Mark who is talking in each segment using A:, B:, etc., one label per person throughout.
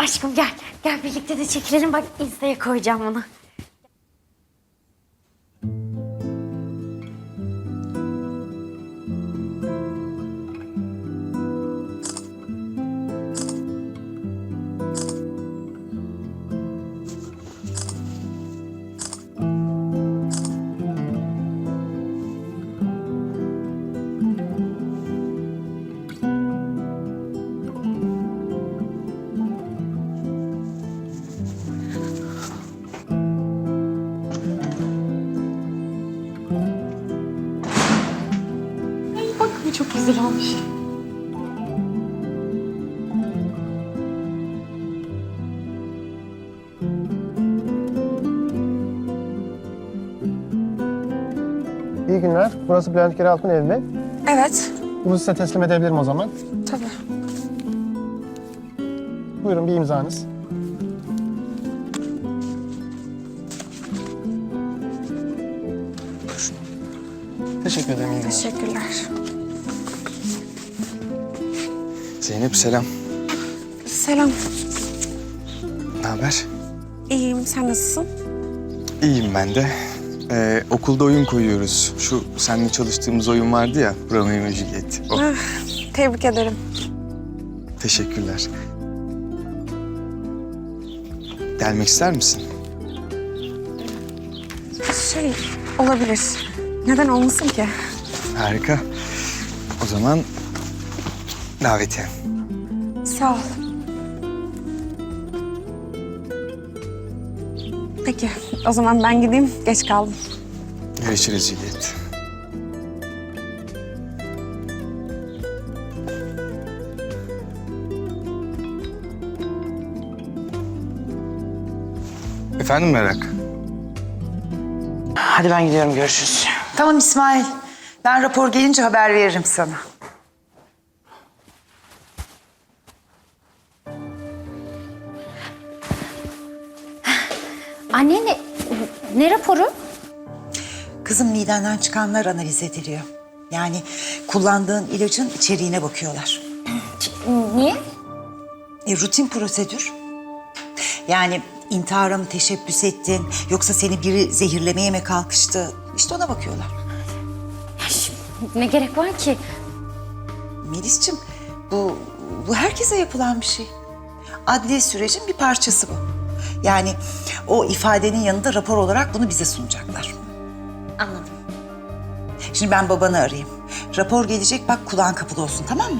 A: Aşkım gel. Gel birlikte de çekilelim. Bak Insta'ya koyacağım bunu. Bak bu çok güzel olmuş.
B: İyi günler. Burası Bülent Keralt'ın evi mi?
C: Evet,
B: Bunu size teslim edebilirim o zaman.
C: tabii.
B: Buyurun bir imzanız. Teşekkür ederim. İyi günler.
C: Teşekkürler.
D: Zeynep selam.
C: Selam.
D: Ne haber?
C: İyiyim, sen nasılsın?
D: İyiyim ben de. Okulda oyun koyuyoruz. Şu seninle çalıştığımız oyun vardı ya, Romeo ve Juliet. O.
C: Ah, tebrik ederim.
D: Teşekkürler. Gelmek ister misin?
C: Olabilir. Neden olmasın ki?
D: Harika. O zaman davetiye.
C: Sağ ol. Peki, o zaman ben gideyim. Geç kaldım.
D: Görüşürüz Juliet. Efendim Merak?
E: Hadi ben gidiyorum, görüşürüz. Tamam İsmail. Ben rapor gelince haber veririm sana.
A: Anne ne raporu?
E: Kızım midenden çıkanlar analiz ediliyor. Yani kullandığın ilacın içeriğine bakıyorlar.
A: Niye?
E: Rutin prosedür. Yani intihara mı teşebbüs ettin yoksa seni biri zehirlemeye mi kalkıştı? İşte ona bakıyorlar.
A: Ya şimdi ne gerek var ki?
E: Melis'ciğim bu herkese yapılan bir şey. Adli sürecin bir parçası bu. Yani o ifadenin yanında rapor olarak bunu bize sunacaklar.
A: Anladım.
E: Şimdi ben babanı arayayım. Rapor gelecek, bak kulağın kapalı olsun, tamam mı?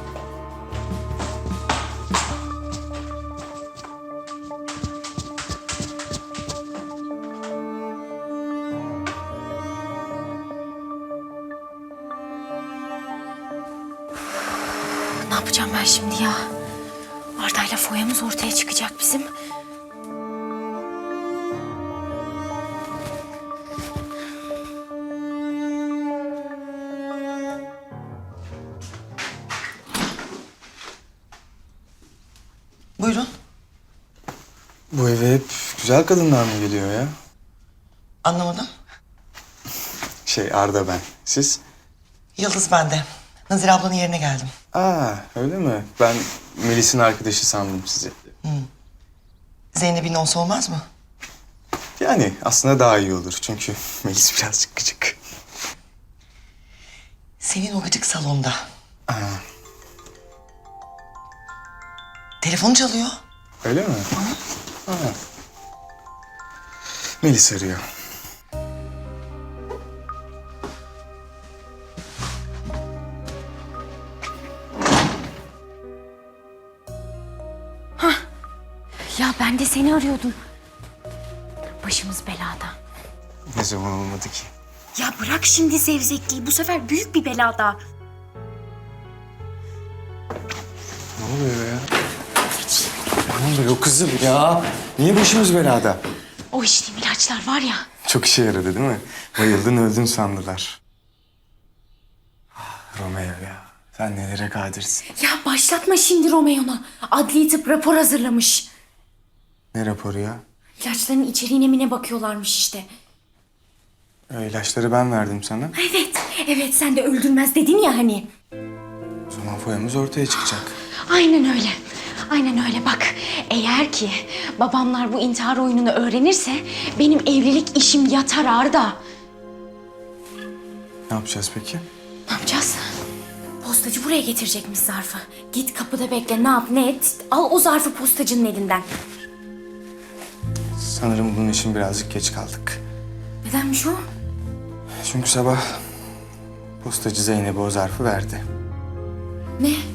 A: Ne yapacağım ben şimdi ya? Arda'yla foyamız ortaya çıkacak bizim.
E: Buyurun.
D: Bu eve hep güzel kadınlar mı geliyor ya?
F: Anlamadım.
D: Arda ben. Siz?
F: Yıldız bende. Nazire ablanın yerine geldim.
D: Öyle mi? Ben Melis'in arkadaşı sandım sizi.
F: Zeynep'in olsa olmaz mı?
D: Yani aslında daha iyi olur. Çünkü Melis birazcık gıcık.
F: Senin o gıcık salonda. Telefon çalıyor.
D: Öyle mi? Melis arıyor.
A: Ya ben de seni arıyordum. Başımız belada.
D: Ne zaman olmadı ki?
A: Ya bırak şimdi zevzekliği. Bu sefer büyük bir belada.
D: Ne oluyor ya? Ne oluyor kızım ya? Niye başımız belada?
A: O içtiğim ilaçlar var ya.
D: Çok işe yaradı değil mi? Bayıldın öldün sandılar. Romeo ya. Sen nelere kadirsin.
A: Ya başlatma şimdi Romeo'na. Adli tıp rapor hazırlamış.
D: Ne raporu ya?
A: İlaçların içeriğine mi ne bakıyorlarmış işte.
D: O ilaçları ben verdim sana.
A: Evet sen de öldürmez dedin ya hani.
D: O zaman foyamız ortaya çıkacak.
A: Aynen öyle. Aynen öyle bak. Eğer ki babamlar bu intihar oyununu öğrenirse benim evlilik işim yatar Arda.
D: Ne yapacağız peki?
A: Ne yapacağız? Postacı buraya getirecekmiş zarfı. Git kapıda bekle, ne yap ne et. Al o zarfı postacının elinden.
D: Sanırım bunun için birazcık geç kaldık.
A: Nedenmiş o?
D: Çünkü sabah postacı Zeynep'e o zarfı verdi.
A: Ne?